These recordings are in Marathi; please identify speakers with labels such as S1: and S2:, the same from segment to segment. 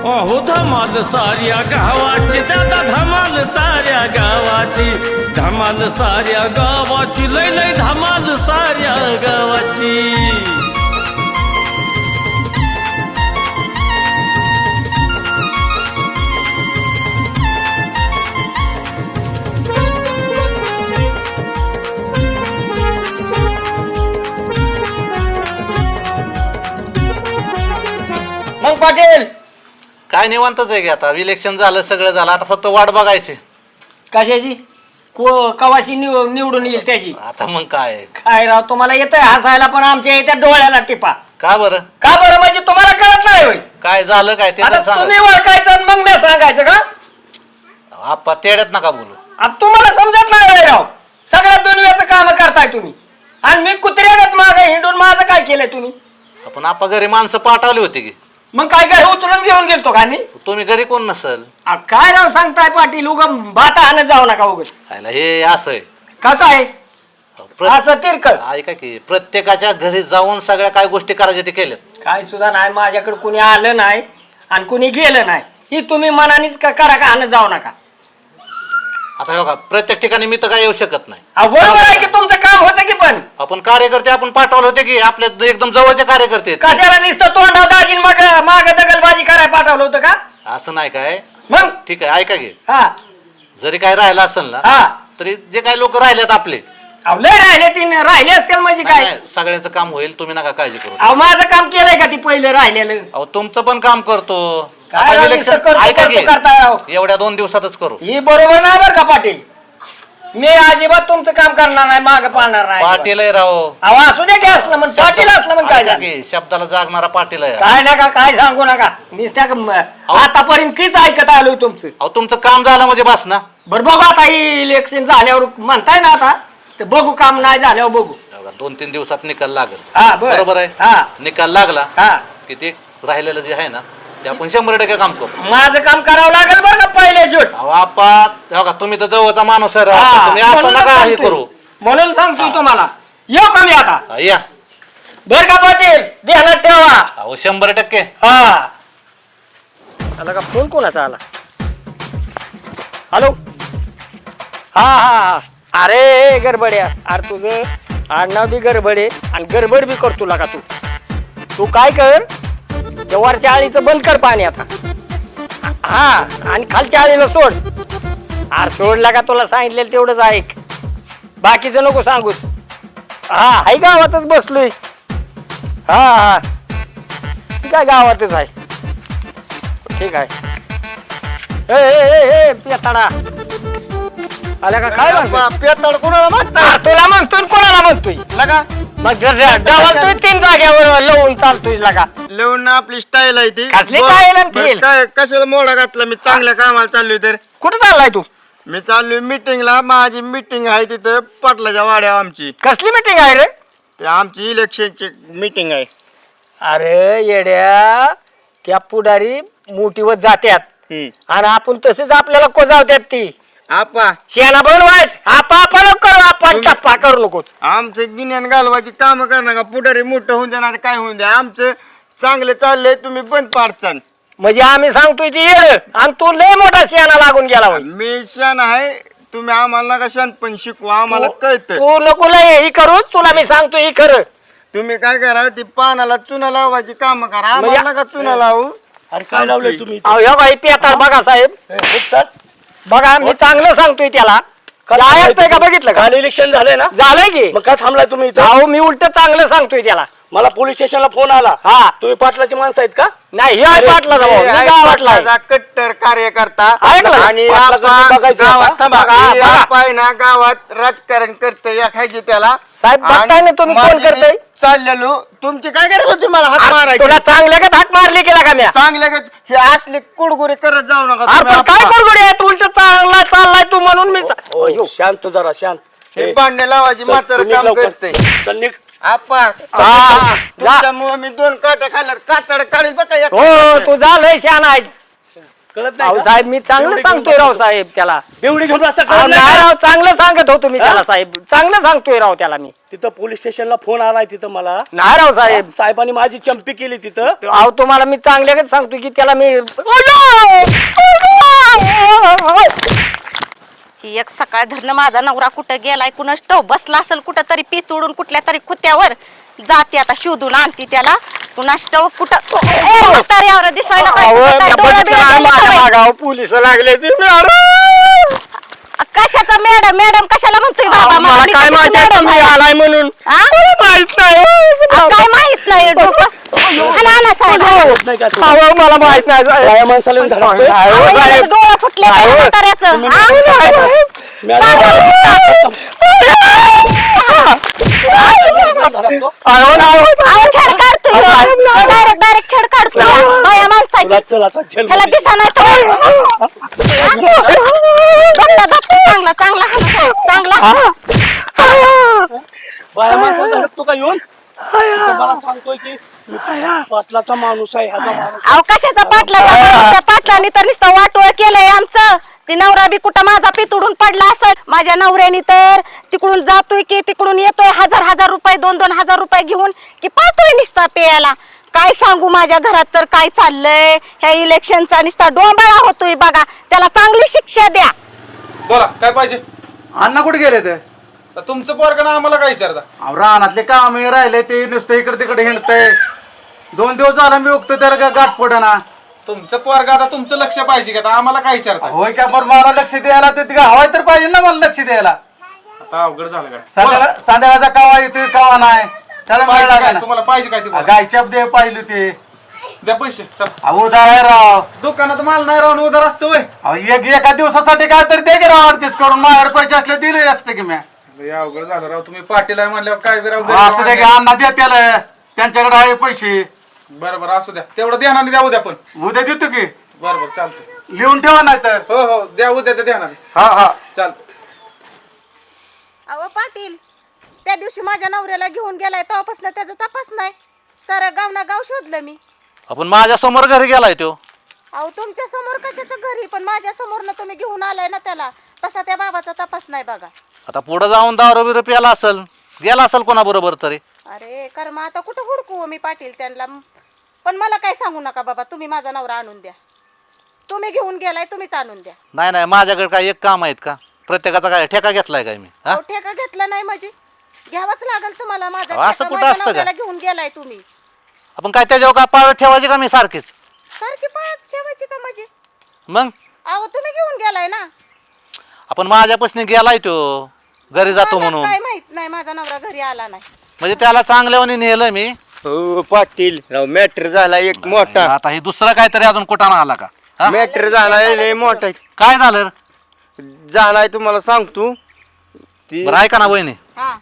S1: अहो धमाल साऱ्या गावाची दादा धमाल साऱ्या गावाची धमाल साऱ्या गावाची लय लय धमाल साऱ्या गावाची
S2: मग पाटील
S3: काय निवांतच आहे की आता इलेक्शन झालं सगळं झालं आता फक्त वाट बघायची
S2: कशाची कवाशी निवडून येईल त्याची
S3: आता मग काय
S2: काय राव तुम्हाला येतंय हसायला पण आमच्या येत्या डोळ्याला टिपा
S3: का बरं
S2: का बरं म्हणजे तुम्हाला कळत नाही होय
S3: काय झालं काय ते तर
S2: आता
S3: सांग
S2: तुम्ही ओळखायचं आणि मग मी सांगायचं का
S3: आप्पा तेड्यात नका बोलू
S2: आता तुम्हाला समजत नाही होय राव सगळ्या दुनियाचं काम करताय तुम्ही आणि मी कुत्र्यागत मागे हिंडून माझं काय केलंय तुम्ही
S3: आपण आप्पा घरी माणसं पाठवली होती की
S2: मग काय काय उतरून घेऊन गेलतो का मी
S3: तुम्ही घरी कोण नसल
S2: काय राव सांगताय पाटील उगा बाटा आणत जाऊ नका उगाच
S3: आयला हे असं आहे
S2: कसं आहे
S3: प्र-
S2: असं तिरकळ
S3: ऐका की प्रत्येकाच्या घरी जाऊन सगळ्या काय गोष्टी करायच्या ते केल्यात
S2: काय सुद्धा नाही माझ्याकडे कुणी आलं नाही आणि कुणी गेलं नाही ही तुम्ही मनानेच करा का आणत जाऊ नका
S3: आता हे बघा प्रत्येक ठिकाणी मी तर काय येऊ शकत नाही
S2: बरोबर आहे की तुमचं काम होतं की पण
S3: आपण कार्यकर्ते आपण पाठवले होते की आपल्या एकदम जवळचे कार्यकर्ते आहेत.
S2: कशाला नुसतं तोंडाव दाजीन मग माग दगलबाजी करायला पाठवलं होतं का
S3: असं नाही काय
S2: मग
S3: ठीक आहे ऐका की
S2: हा
S3: जरी काय राहिलं असेल ना
S2: हा
S3: तरी जे काही लोक राहिलेत आपले
S2: अहो लय राहिले तीन राहिले असतील म्हणजे
S3: नाही,
S2: काय
S3: नाही, सगळ्यांचं काम होईल तुम्ही नका काळजी करू
S2: अहो माझं काम केलंय का ती पहिले राहिलेलं
S3: अहो तुमचं पण काम करतो
S2: काय
S3: आता
S2: राव,
S3: इलेक्शन
S2: नुसतं करतो,
S3: ऐका
S2: करतो,
S3: की
S2: करताय राव.
S3: एवढ्या 2 दिवसातच करू
S2: ही बरोबर नाही बरं का पाटील मी अजिबात तुमचं काम करणार नाही माग पाळणार नाही
S3: पाटील आहे राव
S2: अहो असू दे की असलं म्हण पाटील असलं म्हण काय
S3: ऐका
S2: झालं?
S3: की शब्दाला जागणारा पाटील आहे
S2: काय नका काय सांगू नका आतापर्यंत किच ऐकत आलोय तुमचं
S3: अहो तुमचं काम झालं म्हणजे बस ना
S2: बरं बघू आता ही इलेक्शन झाल्यावर म्हणताय ना आता तर बघू काम नाही झाल्यावर बघू
S3: 2-3 दिवसात निकाल लागेल
S2: हा बरं.
S3: बरोबर आहे
S2: हा
S3: निकाल लागला
S2: हा
S3: की ते राहिलेलं जे आहे ना ते आपण 100% काम करू
S2: माझं काम करावं लागेल बरं का पहिले जोट
S3: अहो आपा हे बघा तुम्ही तर जवळचा माणूस आहे राव.
S2: हा,
S3: तुम्ही असं
S2: म्हणून
S3: नका हे
S2: सांगतोय.
S3: करू
S2: म्हणून सांगतोय तुम्हाला येऊ का मी आता
S3: हा, या
S2: बर का पाटील ध्यानात ठेवा
S3: अहो 100%
S2: हा आला का फोन कोणाचा आला हॅलो हा हा हा अरे गडबड आहे अरे तुझं आडनाव बी गडबड आहे आणि गडबड बी करतो का तू काय कर त्या वरच्या आळीचं बंद कर पाणी आता हा आणि खालच्या आळीला सोड अरे सोडला का तुला सांगितलेलं तेवढंच ऐक बाकीचं नको सांगूस हा हाय गावातच बसलोय हा हा काय गावातच आहे ठीक आहे ए पेताडा आला का काय म्हणतो
S4: पेताळ कोणाला मागता
S2: तुला म्हणतोय कोणाला म्हणतोय
S4: लगा
S2: मग डावलतोय 3 जाग्यावर लवून चालतोय लगा
S4: लिहून आपली स्टाईल आहे ती
S2: कसली style आणि
S4: बरं,
S2: feel?
S4: काय कशाला मोडा घातला मी चांगल्या कामाला चाललोय तर
S2: कुठं चाललाय तू
S4: मी चाललोय मीटिंगला माझी मीटिंग आहे तिथं पाटलाच्या वाड्या आमची
S2: कसली मीटिंग आहे रे
S4: ते आमची इलेक्शनची मीटिंग आहे
S2: अरे येड्या त्या पुढारी मोठीवर जात्यात आणि आपण तसेच आपल्याला कोजावत्यात ती
S4: आपा
S2: शेणा बनवायच आपण करू आपण टप्पा करू नकोच
S4: आमचं गिन्यान घालवायची काम करणार का पुढारी मोठं होऊन द्या ना काय होऊन द्या आमचं चांगलं चाललंय तुम्ही बंद पाडचाल
S2: म्हणजे आम्ही सांगतोय ती येड आणि तू लय मोठा शेणा लागून गेला होय
S4: मी शान आहे तुम्ही आम्हाला नका शानपण शिकवा आम्हाला कळतं
S2: तू नको लय ही करू तुला मी सांगतो ही खरं
S4: तुम्ही काय करा ती पानाला चुना लावायची काम करा
S2: म्हणजे-
S4: आम्हाला नका चुना लावू
S5: अरे काय लावलंय तुम्ही
S2: अहो ह्या बाई पेताळ बघा साहेब बघा मी चांगलं सांगतोय त्याला ऐकतोय का बघितलं का
S5: काल इलेक्शन झालंय ना
S2: झालंय की
S5: मग काय थांबलाय तुम्ही इथं?
S2: अहो मी उलट चांगलं सांगतोय त्याला
S5: मला पोलीस स्टेशनला फोन आला
S2: हा
S5: तुम्ही पाटलाची माणसं आहेत का
S2: नाही हे आहे पाटला
S4: हे आहे
S2: गावातला आहे.
S4: पाटलाचा कट्टर कार्यकर्ता
S2: ऐकलं?
S4: आणि
S5: पाटलाचं
S4: आपा
S5: तुम्ही बघायचं
S4: गावात
S5: आता?
S4: थांबा.
S2: बघा,
S4: हे
S2: बघा.
S4: आपा आहे ना गावात राजकारण करते या खायचे त्याला
S2: साहेब, बघताय ना तुम्ही कोण
S4: माझी मी
S2: करतंय?
S4: चाललेलो तुमची काय करत होती मला हात मारायची
S2: तुला चांगल्या का धाक मारली केला का म्या
S4: चांगल्या हे असले कुडगुरे करत जाऊ नका
S2: अरे
S4: तुम्ही
S2: पण काय
S4: आपा.
S2: करगोडी आहे तू उलट चांगला चाललाय तू म्हणून मी
S5: ओ, शांत जरा शांत
S4: हे भांडे लावायची मात्र
S5: चल,
S4: काम
S5: निघ लवकर.
S4: करते
S5: चल निघ.
S4: आपा
S2: हा,
S4: तुमच्यामुळे मी 2 काट्या खाल्ल्यावर कातड काढील बघा एक
S2: हो तू झालंय शान आहे
S5: कळत
S2: अहो
S5: नाही का?
S2: साहेब मी चांगलं
S5: बेवडी
S2: सांगतोय
S5: घेऊन
S2: राव
S5: बसतो.
S2: साहेब त्याला
S5: बेवडी घेऊन बसता
S2: अहो,
S5: कळत नाही
S2: नाही
S5: का?
S2: राव चांगलं सांगत होतो मी त्याला साहेब चांगलं सांगतोय राव त्याला मी
S5: तिथं पोलीस स्टेशनला फोन आलाय तिथं मला
S2: नाही राव साहेब
S5: साहेबांनी माझी चंपी केली तिथं.
S2: अहो तुम्हाला मी चांगल्याच सांगतो की त्याला मी
S6: ही एक सकाळ धरणं माझा नवरा कुठं गेलाय कुणास ठाऊक बसला असेल कुठं तरी पीत उडून कुठल्या तरी खुत्यावर जाते आता शोधून आणती त्याला कुणास ठाऊक कुठं म्हाताऱ्यावर दिसायला पाहिजे. काय डोळं बिळं गेलं का बाई?
S2: पोलिस लागले ते
S6: कशाचा मॅडम मॅडम कशाला म्हणतोय बाबा
S2: मला
S6: मी
S2: काय
S6: कशाची
S2: माहिती
S6: मॅडम
S2: तुम्ही
S6: आहे?
S2: आलाय म्हणून
S6: हा?
S2: माहित नाही
S6: काय माहित नाही डोकं आणा, आणा साहेब.
S5: कळत नाही का तुला?
S2: अहो, मला माहित नाही साहेब.
S5: बाया माणसाला येऊन धडकतोय.
S2: अहो,
S6: अहो,
S2: साहेब.
S6: याचं डोळं फुटले त्या
S2: अहो,
S6: म्हाताऱ्याचं. हा?
S2: अहो,
S6: अहो, छेड काढतोय डायरेक्ट छेड काढतोय बाया माणसाची
S5: तुला चल आता जेल
S6: ह्याला दिसा नाही तर चांगला चांगला हाणा, चांगला
S5: बाया माणसाला धडकतो का येऊन इथं मला सांगतोय की मी पाटलाचा माणूस आहे ह्याचा माणूस.
S6: अहो कशाचा पाटला त्या पाटलाने तर नुसतं वाटोळ केलंय आमचं ती नवरा बी कुठं माझा पितुडून पडला असेल माझ्या नवऱ्याने तर तिकडून जातोय की तिकडून येतोय हजार रुपये 2-2 हजार रुपये घेऊन की पाहतोय नुसता पेयाला काय सांगू माझ्या घरात तर काय चाललंय ह्या इलेक्शनचा नुसता डोंबाळा होतोय बघा त्याला चांगली शिक्षा द्या.
S7: बोला काय पाहिजे
S8: अण्णा कुठे गेले ते
S7: तर तुमचं पोरगं ना आम्हाला काय विचारता
S8: अहो, रानातले काम राहिले ते नुसतं इकडे तिकडे हिंडतंय 2 दिवस झाला मी उगतो त्याला गाठ पडना
S7: तुमचं पोरगं आता तुमचं लक्ष पाहिजे का आता आम्हाला काय विचारता
S8: होय का बरं मला लक्ष द्यायला ते हवाय तर पाहिजे ना मला लक्ष द्यायला
S7: आता अवघड झालं काय
S8: संध्याकाळचा कावा येतोय कावा नाही त्याला वेळ
S7: पाहिजे काय
S8: लागायला.
S7: तुम्हाला पाहिजे काय ते बोला.
S8: गायच्या दे पाहिलं ते
S7: द्या पैसे चल
S8: अहो उधार आहे राव
S7: दुकानात माल नाही राहून उधार असतं वय
S8: अहो एका दिवसासाठी काय तरी दे की राव ऍडजस्ट करून माझ्याकडे पैसे असले दिले असते की मी
S7: लय अवघड झालं राव तुम्ही पाटील आहे म्हणल्यावर काय बी राव
S8: असं दे की अण्णा दे त्याला त्यांच्याकडे आहे पैसे
S7: बरं बरं असू द्या तेवढं ध्यानाने द्या उद्या पण
S8: उद्या देतो की
S7: बरं बरं चालतंय
S8: लिहून ठेवा नाही तर
S7: हो हो द्या उद्या त्या ध्यानाने
S8: हा हा
S7: चालतं
S6: अहो पाटील त्या दिवशी माझ्या नवऱ्याला घेऊन गेलाय तेव्हापासून त्याचा तपास नाही सारा गाव शोधलं मी.
S3: आपण माझ्या समोर घरी गेलाय तो
S6: अहो तुमच्या समोर कशाचं घरी पण माझ्या समोर तुम्ही घेऊन आलाय ना त्याला तसा त्या बाबाचा तपास नाही बघा.
S3: आता पुढे जाऊन दारू बिरू प्याला असेल गेला असेल कोणाबरोबर तरी
S6: अरे कर्म आता कुठं हुडकू मी पाटील त्यांना पण मला काय सांगू नका बाबा तुम्ही माझा नवरा आणून द्या तुम्ही घेऊन गेलाय तुम्हीच आणून द्या.
S3: नाही नाही माझ्याकडे काय एक काम आहेत का प्रत्येकाचा काय ठेका घेतलाय काय मी हा
S6: अहो, ठेका घेतला नाही म्हणजे घ्यावाच लागेल तुम्हाला माझा
S3: अहो, असं
S6: ठेका
S3: कुठं
S6: माझ्या
S3: असतं का?
S6: नवऱ्याला घेऊन गेलाय तुम्ही
S3: आपण काय त्याच्यावर काय पाळत ठेवायची का मी सारखीच
S6: सारखी पळत ठेवायची का म्हणजे
S3: मग
S6: अहो तुम्ही घेऊन गेलाय ना
S3: आपण माझ्यापासून गेलाय तो घरी जातो
S6: मला
S3: म्हणून
S6: काय माहित नाही माझा नवरा घरी आला नाही.
S3: म्हणजे त्याला चांगल्यावानी नेलं मी
S4: हो पाटील राव मॅटर झाला एक मोठा
S3: आता हे दुसरं काहीतरी अजून कुठाना आला का हा?
S4: मॅटर झालाय लय मोठा
S3: काय झालं
S4: झालाय तुम्हाला सांगतो ती
S3: बरं ऐका ना वहिनी
S6: हा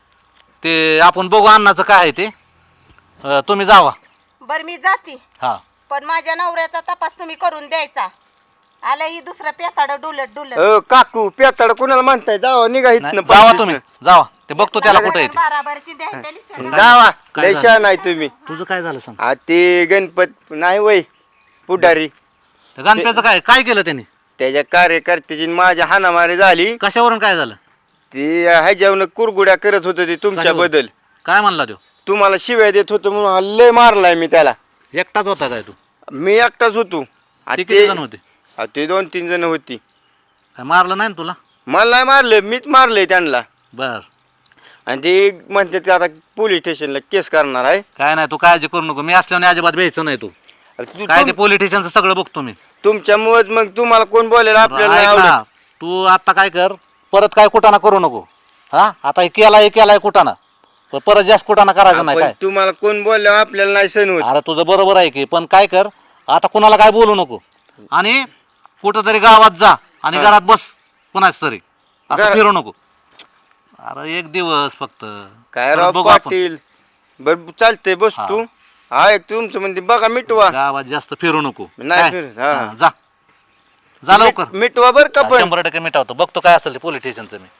S3: ते आपण बघू अन्नाचं काय आहे ते तुम्ही जावा
S6: बर मी जाते
S3: हा
S6: पण माझ्या नवऱ्याचा तपास तुम्ही करून द्यायचा आलं ही दुसरं पेताड डुलत
S4: काकू पेताड कुणाला म्हणताय जावा निघा
S3: नाही,
S4: इथनं
S3: जावा
S4: पंचवीस
S3: तुम्ही जावा ते बघतो त्याला कुठे येते
S6: बाराबरची द्यायची
S4: जावा
S3: काय
S4: लय
S3: झालं?
S4: शहाणा आहे तुम्ही
S3: तुझं काय झालं सांग
S4: आ ते गणपत नाही वय पुढारी
S3: त्या गणप्याचं काय काय केलं त्यांनी
S4: त्याच्या कार्यकर्त्याची माझ्या हाणामारी झाली
S3: कशावरून काय झालं
S4: ती ह्याच्यावर कुरगुड्या करत होत ती तुमच्या
S3: कशावरून?
S4: बद्दल
S3: काय म्हणला तो
S4: तुम्हाला शिव्या देत होतो म्हणून हा लय मारलाय मी त्याला
S3: एकटाच होता काय तू
S4: मी एकटाच होतो आ
S3: ते किती जण होते
S4: ते 2-3 जण होती
S3: काय मारलं नाही ना तुला
S4: मला नाही मारलं मीच मारलंय त्यांना
S3: बर
S4: आणि ते म्हणते ते आता पोलीस स्टेशनला केस करणार आहे
S3: काय नाही तू काळजी करू नको मी असल्याने अजिबात भ्यायचं नाही तू काय ते पॉलिटिशियनचं सगळं बघतो मी
S4: तुमच्यामुळेच मग तुम्हाला कोण बोलेल आपल्याला नाही
S3: ऐक ना,
S4: आवडत.
S3: तू आता काय कर परत काय कुटाणा करू नको हा आता हे केलाय कुटाणा पण परत जास्त कुटाणा करायचा नाही
S4: पण
S3: काय
S4: तुम्हाला कोण बोलल्यावर आपल्याला नाही सण होत
S3: अरे तुझं बरोबर आहे की पण काय कर आता कुणाला काय बोलू नको आणि कुठं तरी गावात जा आणि घरात बस कुणाच तरी असं
S4: घरात-
S3: फिरू नको अरे एक दिवस फक्त
S4: काय
S3: परत
S4: राव
S3: बघू आपण.
S4: पाटील बर चालतंय बस तू हा एक तुमचं म्हणते बघा मिटवा
S3: गावात जास्त फिरू नको
S4: नाही
S3: काय?
S4: फिरू, हा.
S3: हा, जा लवकर
S4: मिटवा बर का पण
S3: 100% मिटावतो बघतो काय असेल ते पॉलिटिशियनचं मी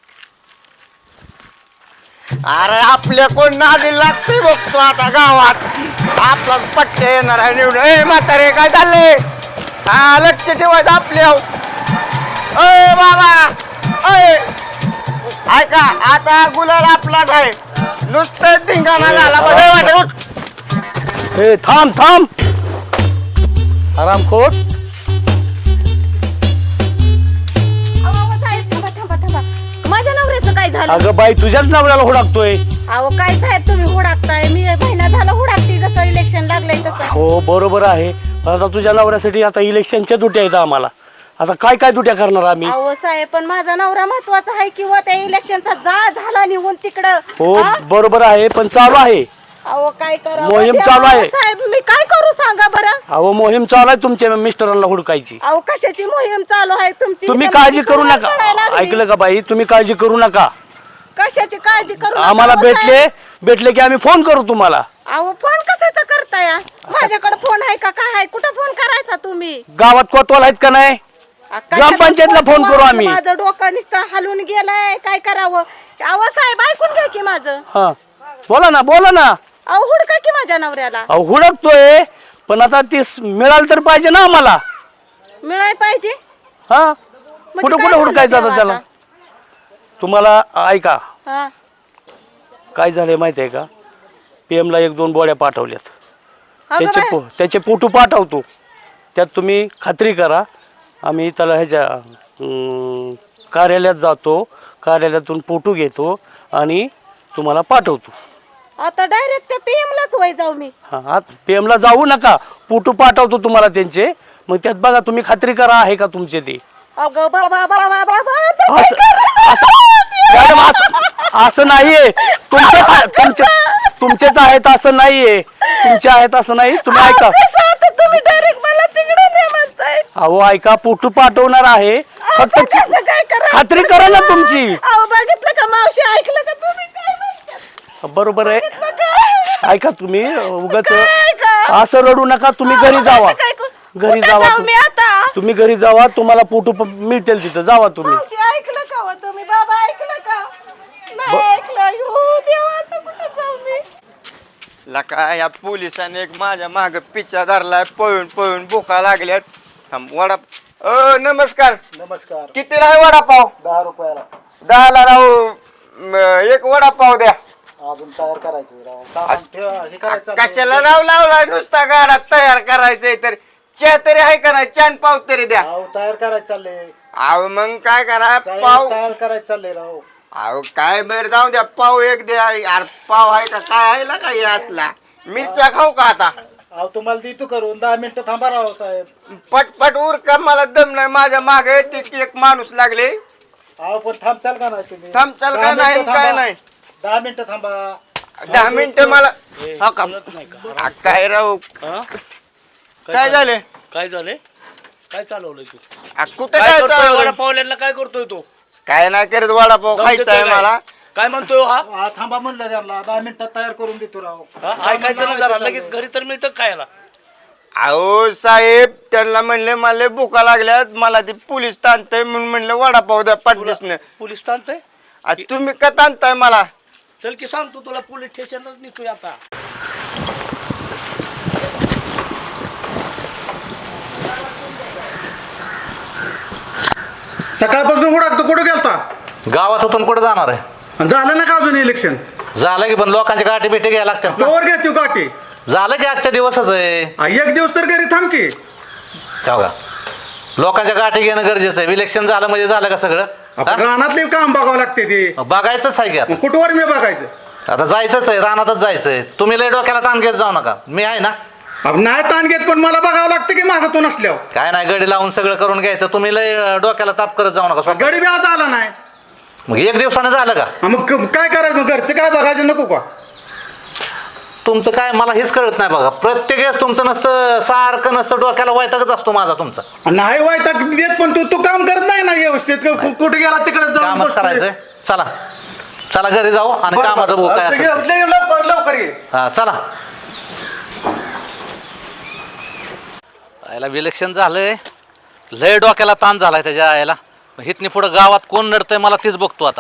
S4: अरे आपल्या कोण नादी लागते बघतो आता गावात आपलाच पट्टे येणार आहे निवडून ए म्हातारे काय चाललंय हा लक्ष ठेवायचं आपल्या अय बाबा अय ऐका आता गुलाल आपलाच आहे नुसतं धिंगाणा झाला बरं वाटत उठ.
S2: ए थांब थांब आरामखोर.
S6: अहो साहेब थांबा थांबा थांबा माझ्या नवऱ्याचं काय झालं
S2: अगं बाई तुझ्याच नवऱ्याला हुडाकतोय.
S6: अहो काय साहेब तुम्ही हुडाकताय मी महिना झाला हुडाकते जसं इलेक्शन लागलंय तसं
S2: हो बरोबर आहे. पण आता तुझ्या नवऱ्यासाठी आता इलेक्शनच्या दुट्या आहेत आम्हाला. आता काय काय दुट्या करणार आम्ही.
S6: अहो साहेब पण माझा नवरा महत्वाचा आहे किंवा त्या इलेक्शनचा झाला निघून तिकडं
S2: हो
S6: हा?
S2: बरोबर आहे पण चालू आहे.
S6: अहो काय करावं
S2: मोहीम
S6: देवा,
S2: चालू आहे.
S6: साहेब मी काय करू सांगा बरं.
S2: अहो मोहीम चालू आहे तुमच्या मिस्टरांना हुडकायची.
S6: अहो कशाची मोहीम चालू आहे तुमची
S2: तुम्ही
S6: इथं
S2: काळजी
S6: माझी
S2: करू
S6: कमाल
S2: नका.
S6: पडायला लागली.
S2: ऐकलं का बाई तुम्ही काळजी करू नका.
S6: कशाची काळजी करू नका,
S2: आम्हाला
S6: अहो,
S2: भेटले की आम्ही फोन करू तुम्हाला.
S6: अहो फोन कशाचा करताय माझ्याकडे फोन आहे का काय आहे कुठं फोन करायचा तुम्ही
S2: गावात कोतवाल आहेत का नाही.
S6: कशाचा
S2: ग्रामपंचायतला फोन करू आम्ही.
S6: माझं डोकं नुसतं हलून गेलंय काय करावं. अहो साहेब ऐकून घ्या की माझं
S2: हा बोला ना.
S6: अहो हुडका की माझ्या नवऱ्याला
S2: अहो हुडकतोय पण आता ती मिळालं तर पाहिजे ना आम्हाला.
S6: मिळाय पाहिजे
S2: हा
S6: म्हणजे
S2: कुठं
S6: काय
S2: कुठं हुडकायचं
S6: झालं
S2: आता त्याला.
S6: आता?
S2: तुम्हाला ऐका
S6: हा
S2: काय झालंय माहिती आहे का. PM ला 1-2 बोड्या पाठवल्यात.
S6: अगं बाई,
S2: त्याचे फोटो पाठवतो. त्यात तुम्ही खात्री करा. आम्ही त्याला ह्याच्या कार्यालयात जातो. कार्यालयातून फोटो घेतो आणि तुम्हाला पाठवतो.
S6: आता डायरेक्ट त्या PM लाच वय जाऊ मी.
S2: हा PM ला जाऊ नका. फोटो पाठवतो तुम्हाला त्यांचे. मग त्यात बघा तुम्ही खात्री करा आहे का तुमचे ते.
S6: अगं बाबा बाबा बाबा आता काय
S2: असं-
S6: करणार?
S2: मॅडम, असं नाहीये. तुमचेच आहेत असं नाहीये. तुमचे आहेत असं नाही. तुम्ही
S6: अहो,
S2: ऐका.
S6: कसं आता तुम्ही डायरेक्ट मला तिकडे नाही म्हणताय.
S2: अहो ऐका फोटो पाठवणार आहे. फक्त
S6: आता कसं काय करायचं?
S2: खात्री करा ना तुमची.
S6: अहो बघितलं का मावशी ऐकलं का तुम्ही काय म्हणतात?
S2: बरोबर आहे.
S6: बघितलं का?
S2: ऐका तुम्ही उगाच
S6: काय का?
S2: असं रडू नका. तुम्ही
S6: अहो,
S2: घरी जावा.
S6: आता काय करू?
S2: घरी
S6: कुठं
S2: जावा
S6: जाऊ मी आता
S2: तुम्ही घरी जावा. तुम्हाला फोटो मिळतील तिथं. जावा तुम्ही.
S6: मावशी ऐकलं का हो तुम्ही बाबा ऐकलं का नाही ऐकलं हो देवा आता कुठं जाऊ मी.
S4: लका या पोलिसांनी एक माझ्या माग पिच्छा धरलाय पळून भुका लागल्यात. थांब वडा नमस्कार कितीला आहे वडापाव
S8: 10 रुपयाला
S4: 10ला राहू एक वडापाव द्या.
S8: अजून तयार करायचं हे करायचं
S4: कशाला राव लावलाय नुसता गाडा तयार करायचंय तर चहा तरी आहे का नाही चहा पाव तरी द्या.
S8: तयार करायचं चाललंय
S4: अहो मग काय करा पाव
S8: तयार करायचं चाललंय राव.
S4: अहो काय बरं जाऊ द्या पाव एक द्या. यार पाव आहे का काय आहे ना काही असला मिरच्या खाऊ का आता.
S8: अहो तुम्हाला देतो करून 10 मिनिटं थांबा राव साहेब.
S4: पटपट उर का मला दम नाही माझ्या मागे एक माणूस लागले.
S8: अहो पण थांबचाल का नाही तुम्ही.
S4: थांबचाल का
S8: 10
S4: नाही
S8: मिनिटं
S4: काय
S8: थांबा.
S4: नाही
S8: 10 मिनिटं थांबा.
S4: 10 मिनिटं मला हा का आ, काय राव काय झाले
S2: काय झाले. काय चालवलंय तू.
S4: कुठे काय चालू?
S2: वडापावल्यांना काय करतोय तू.
S4: काय नाही करत वडापाव खायचा आहे मला.
S2: काय म्हणतोय हा.
S8: थांबा म्हणलं त्यांना 10 मिनिटात तयार करून देतो राव.
S2: ऐकायचं ना जरा. लगेच घरी तर मिळतं खायला.
S4: अहो साहेब त्यांना म्हणले मला भुका लागल्यात मला ते पोलीस ताणतंय म्हणून म्हणलं वडापाव द्या पाठलीसनं.
S2: पोलीस ताणतंय.
S4: तुम्ही का ताणताय मला.
S2: चल की सांगतो तुला पोलीस स्टेशनलाच निघतोय आता.
S8: सकाळपासून हुडाकतो कुठं गेलता.
S3: गावात होतून कुठे जाणार आहे.
S8: आणि झालं ना का अजून इलेक्शन.
S3: झालं की पण लोकांची गाठी भेटी घ्यायला लागतात ना.
S8: कवर घेतो काठी.
S3: झालं की आजच्या दिवसच आहे.
S8: एक दिवस तर घरी थांब की.
S3: बघा लोकांच्या गाठी घेणं गरजेचं आहे. इलेक्शन झालं म्हणजे झालं का सगळं.
S8: आपण रानातले काम बघावं लागते ते.
S3: बघायचंच आहे की आता.
S8: कुठवर मी बघायचं.
S3: आता जायचंच आहे. रानातच जायचंय. तुम्ही लय डोक्याला ताण घेत जाऊ नका. मी आहे ना.
S8: अब नाही ताण घेत पण मला बघावं लागतं की मागतून असल्यावर.
S3: काय नाही गडी लावून सगळं करून घ्यायचं. तुम्ही लय डोक्याला ताप करत जाऊ नका.
S8: गडी बी आज आला नाही.
S3: मग एक दिवसानं झालं का.
S8: मग काय करायचं मग घरचं काय बघायचं नको का.
S3: तुमचं काय मला हेच कळत नाही बघा. प्रत्येक वेळेस तुमचं नसतं सारखं नसतं डोक्याला वैतागच असतो माझा तुमचा.
S8: नाही वायता देत पण तू काम करत नाही ना व्यवस्थित. कुठे गेला तिकडे जाऊन
S3: कामच
S8: बसतोय.
S3: करायचंय. चला चला घरी जाऊ आणि
S8: बरं,
S3: कामाचं भाऊ काय
S8: बरं.
S3: असेल ते.
S8: लवकर ये.
S3: हा चला. याला इलेक्शन झालंय. लय डोक्याला ताण झालाय त्याच्या यायला. हितनी पुढं गावात कोण नडतंय मला तीच बघतो आता.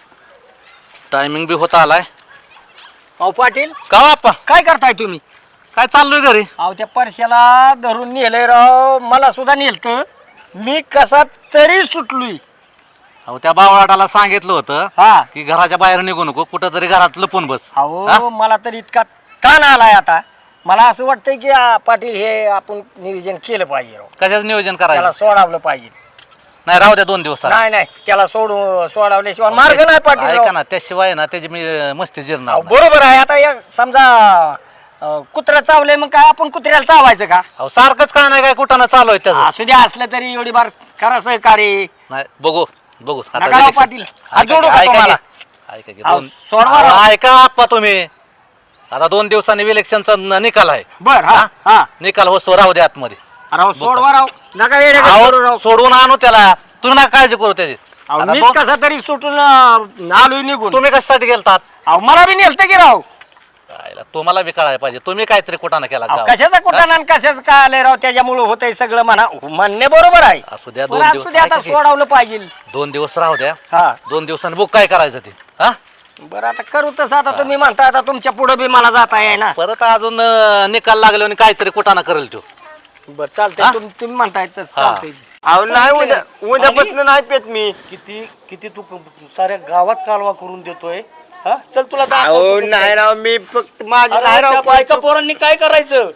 S3: टायमिंग बी होता आलाय.
S2: अहो पाटील
S3: का बाप्पा
S2: काय करताय तुम्ही.
S3: काय चाललोय घरी
S2: अहो त्या परश्याला धरून नेलंय राव, मला सुद्धा नेलत, मी कसा तरी सुटलोय.
S3: अहो त्या बावळाटाला सांगितलं होतं
S2: हा
S3: की घराच्या बाहेर निघू नको, कुठं तरी घरात लपून बस.
S2: अहो मला तर इतका ताण आलाय आता, मला असं वाटतंय की पाटील हे आपण नियोजन केलं पाहिजे राव,
S3: कशाचं नियोजन
S2: त्याला
S3: करायचं?
S2: सोडावलं पाहिजे.
S3: नाही राहू द्या 2 दिवस.
S2: नाही नाही त्याला सोडावल्याशिवाय मार्ग नाही पाटील
S3: ऐका
S2: राव.
S3: ना, त्याशिवाय ना त्याची मी मस्ती जिरणार
S2: अहो,
S3: नाही.
S2: बरोबर आहे. आता समजा कुत्रा चावलंय मग काय आपण कुत्र्याला चावायचं का?
S3: अहो सारखंच काय नाही काय कुठं चालू आहे त्याचं.
S2: असू द्या, असलं तरी एवढी बार करा सहकार्य.
S3: नाही बघू आता
S2: नका राव
S3: election.
S2: पाटील, हात
S3: ऐका
S2: जोडू
S3: की,
S2: का
S3: ऐका
S2: तुम्हाला?
S3: की, ऐका की,
S2: अहो,
S3: दोन-
S2: सोडवा राव.
S3: अहो, ऐका आप्पा तुम्ही, आता 2 दिवसांनी इलेक्शनचा निकाल आहे.
S2: बर हा हा
S3: निकाल वस्तू राहू दे आतमध्ये.
S2: राव सोडवा राव, नका येडे करू राव.
S3: अहो सोडून आणू त्याला, तुम्ही नका काळजी करू त्याची.
S2: अहो,
S3: आता
S2: मीच
S3: दोन-
S2: कसा तरी सुटून आलोय निघून.
S3: तुम्ही कशासाठी गेलतात?
S2: अहो मला बी नेलतं की राव.
S3: आयला, तुम्हाला बी कळायला पाहिजे, तुम्ही काहीतरी कुठाना केला
S2: अहो,
S3: गावात.
S2: कशाचा कुठं आणि कशाचं काय आलंय राव, त्याच्यामुळे होतंय सगळं म्हणा, म्हणणे बरोबर आहे.
S3: असू द्या
S2: पण
S3: 2
S2: असू द्या, आता
S3: दिवस.
S2: सोडावलं पाहिजे.
S3: 2 दिवस राहू द्या.
S2: हा
S3: 2 दिवसांनी बुक काय करायचं ते? हा
S2: बरं आता करू तसं, आता तुम्ही म्हणता आता तुमच्या पुढे बी मला जाता आहे ना.
S3: परत अजून निकाल लागले आणि काहीतरी कुठाना करेल तो.
S2: बरं चालतंय, तुम्ही म्हणताय तसं चालतंय.
S4: अहो नाही उद्यापासून नाही पेत मी.
S5: किती किती तू साऱ्या गावात कालवा करून देतोय. हा चल तुला
S4: अहो
S5: दाखवतो कसं
S4: नाही
S5: आहे.
S4: राव, मी फक्त माझी
S5: अरे,
S4: नाही
S5: त्या
S4: राव
S5: बायका पोरांनी काय करायचं?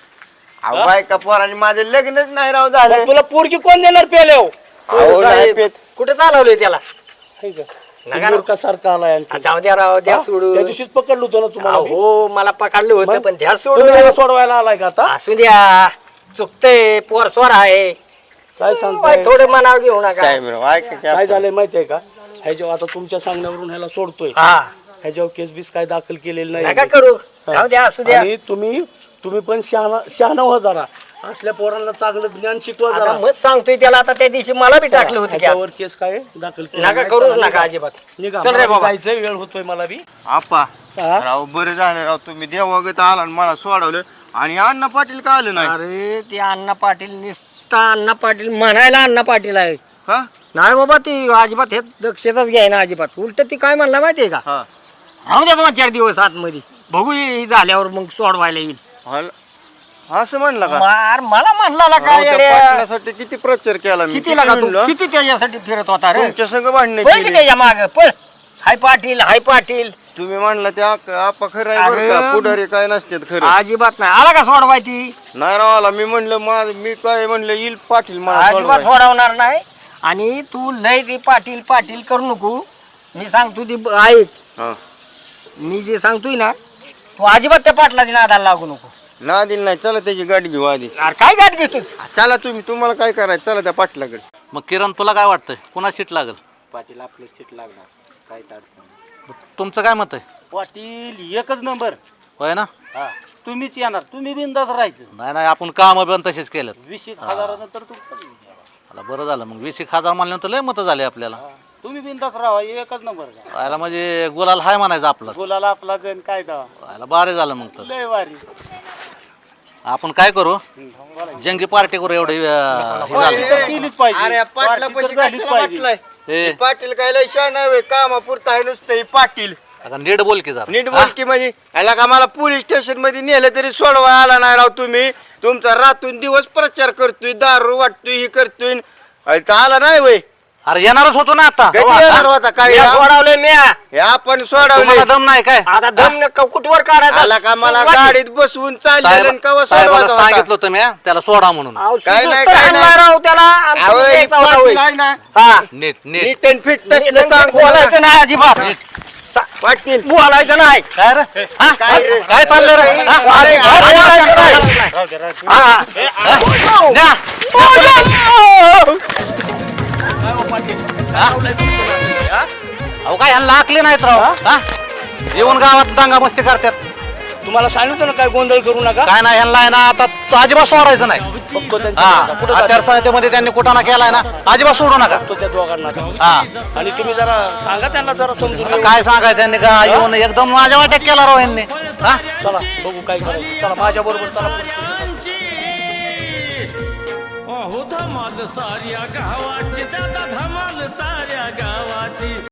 S4: अहो बायका पोरांनी माझं लग्नच नाही राव झालं.
S5: मग तुला पोरगी कोण देणार पेले हो?
S4: अहो नाही
S2: साहेब,
S4: पेत.
S2: कुठे चालवलंय त्याला?
S5: हाय का?
S2: नका
S5: ते मूर्खासारखा आलाय आणखी.
S2: जाऊ द्या राव, द्या
S5: हा?
S2: सोडून.
S5: त्या दिवशीच पकडलो होतो ना तुम्हाला मी.
S2: हो मला पकडलं होतं,
S5: मग?
S2: पण द्या
S5: तुम्ही याला
S2: सोडून.
S5: सोडवायला आलाय का आता?
S2: असू द्या, चुकतंय, पोर स्वर आहे.
S5: काय सांगताय?
S2: थोडं मनावर घेऊ नका.
S4: साहेब राव ऐका की
S5: काय
S4: आपण.
S5: झालंय माहितीये का? ह्याच्यावर आता तुमच्या सांगण्यावरून ह्याला सोडतोय.
S2: हा
S5: ह्याच्यावर केस बीस काय दाखल केलेलं
S2: नका
S5: नाही.
S2: करू, जाऊ द्या, असू द्या.
S5: आणि तुम्ही पण शहाणा व्हा जरा. असल्या पोरांना चांगलं ज्ञान शिकवा
S2: आता
S5: जरा.
S2: मग सांगतोय त्याला, आता त्या दिवशी मला बी टाकलं होतं की
S5: ह्याच्यावर केस काय दाखल केलं
S2: नका
S5: नाही.
S2: करूच
S5: चला,
S2: नका
S5: निघा.
S2: अजिबात.
S5: निघा.
S2: चल रे
S5: मला
S2: बाबा.
S5: जायचंय, वेळ होतोय मला बी.
S4: आप्पा
S5: हा?
S4: राव बरं झालं राव, तुम्ही देवागत आला आणि मला सोडवलं. आणि अण्णा पाटील का आलं नाही?
S2: अरे ते अण्णा पाटील निसता अण्णा पाटील म्हणायला अण्णा पाटील आहे.
S4: का?
S2: नाही बाबा, ती अजिबात हे दक्षताच घ्याय ना अजिबात. उलट ती काय म्हणला माहितीये का,
S4: हा
S2: राहू द्या 2-4 दिवस आतमध्ये, बघू ही झाल्यावर मग सोडवायला येईल.
S4: हल- असं म्हणलं का?
S2: मला म्हणला
S4: राव,
S2: काय
S4: त्या
S2: येड्या?
S4: पाटलासाठी किती प्रचार केला मी.
S2: किती लागा तू,
S4: म्हणलं?
S2: किती त्याच्यासाठी फिरत होता रे?
S4: तुमच्या संग भांडणे
S2: पळ की
S4: केली.
S2: त्याच्या माग पळ. हाय पाटील, हाय पाटील.
S4: तुम्ही म्हणला त्या आपा खरं आहे बरं
S2: अरे,
S4: का, पुढारी काय नसतात खरं.
S2: अजिबात नाही आला का सोडवाय ती?
S4: नाही राव आला, मी म्हणलं मी काय म्हणलं येईल पाटील मला
S2: अजिबात
S4: सोडवाय.
S2: सोडवणार नाही. आणि तू लय ती पाटील पाटील करू नको. मी सांगतो ती ऐक,
S4: हा.
S2: मी जे सांगतोय ना, तू अजिबात त्या पाटलाची नादाला लागू नको.
S4: ना दिल नाही, चला त्याची गाडी घेऊ आधी.
S2: अरे काय गाठ घेतोस?
S4: चला तुम्हाला काय करायचं, चला त्या पाटलाकडे.
S3: मग किरण तुला काय वाटतंय, कुणा सीट लागेल?
S5: पाटील आपलं सीट लागणार, काय अडचण.
S3: तुमचं काय मत आहे?
S5: पाटील एकच नंबर.
S3: होय ना?
S5: हा तुम्हीच येणार, तुम्ही बिंदास राहायचं.
S3: नाही नाही, आपण काम पण तसेच केलं.
S5: 20,000 तर
S3: मला बरं झालं, मग 20,000 म्हणल्यानंतर लय मतं झाले आपल्याला.
S5: तुम्ही बिंदास राहा, एकच नंबर.
S3: राहायला म्हणजे गुलाल हाय म्हणायचं आपलं.
S5: बोलायला आपला जण काय दावा
S3: राहायला बारे झालं मग तर.
S5: लय वारी.
S3: आपण काय करू, जंगी पार्टी करू एवढं हे झालं.
S5: केलीच पाहिजे.
S4: अरे पाटला
S5: पार्टी तर
S4: पैसे
S5: झालीच
S4: कशाला
S5: पाहिजे.
S4: वाटलाय?
S3: हे.
S4: हे पाटील काय लय शान आहे, कामापुरता आहे नुसतं हे पाटील.
S3: आता नीट बोल की जरा.
S4: नीट बोल की म्हणजे याला का मला पोलीस स्टेशन मध्ये नेलं तरी सोडवा आला नाही राव तुम्ही. तुमचा रातून दिवस प्रचार करतोय, दारू वाटतोय, हे करतोय, इथं आला नाही वय.
S3: अरे येणारच होतो ना आता.
S4: कधी येणार होता काय?
S2: मी सोडवलंय म्या.
S4: हे आपण सोडवले.
S3: तुम्हाला दम नाही काय?
S2: आता दम कुठवर काढायचा?
S4: आला का मला गाडीत बसवून चाललेलं कवा
S3: साहेबाला
S4: सोडवायचा होता?
S3: सांगितलं होतं मी त्याला सोडा म्हणून.
S2: अहो,
S4: काय नाही,
S2: सुद्धा
S4: काय
S2: हाणला
S4: नाही.
S2: राव त्याला. आणि
S4: अहो,
S2: तुम्ही
S4: हे
S2: द्यायचा होता
S4: पाटील
S2: होय.
S4: आहे ना,
S2: हा.
S3: नीट नीट
S4: नीट and fit तसलं सांग
S2: बोलायचं नाही अजिबात.
S4: पाटील.
S2: बोलायचं नाही.
S3: काय रे? हा?
S4: काय रे?
S3: काय चाललं रे? हा?
S2: अरे,
S3: काय
S2: बोलायचं
S3: बोलायचं
S2: नाही.
S3: नाही?
S2: हा.
S3: न्या. अहो काय ह्यांना आकले नाहीत राव. हा? येऊन गावात दांगा मस्ती करतात.
S5: तुम्हाला सांगितलं ना काय गोंधळ करू नका.
S3: काय नाही ह्यांना आहे ना आता अजिबात सोडायचं नाही.
S5: बघतो त्यांच्या
S3: हा
S5: पुढं जातो.
S3: आचारसंहितेमध्ये त्यांनी कुठं ना केलाय ना, अजिबात सोडू नका.
S5: बघतो त्या दोघांना.
S3: हा
S5: आणि तुम्ही जरा सांगा त्यांना जरा समजून
S3: आता
S5: घेऊन.
S3: काय सांगायचं यांनी का येऊन एकदम माझ्या वाट्यात केला राव यांनी. हा
S5: चला बघू काय करायचं. चला माझ्या बरोबर चला.
S1: अहो धमाल साऱ्या गावाची, दादा धमाल साऱ्या गावाची.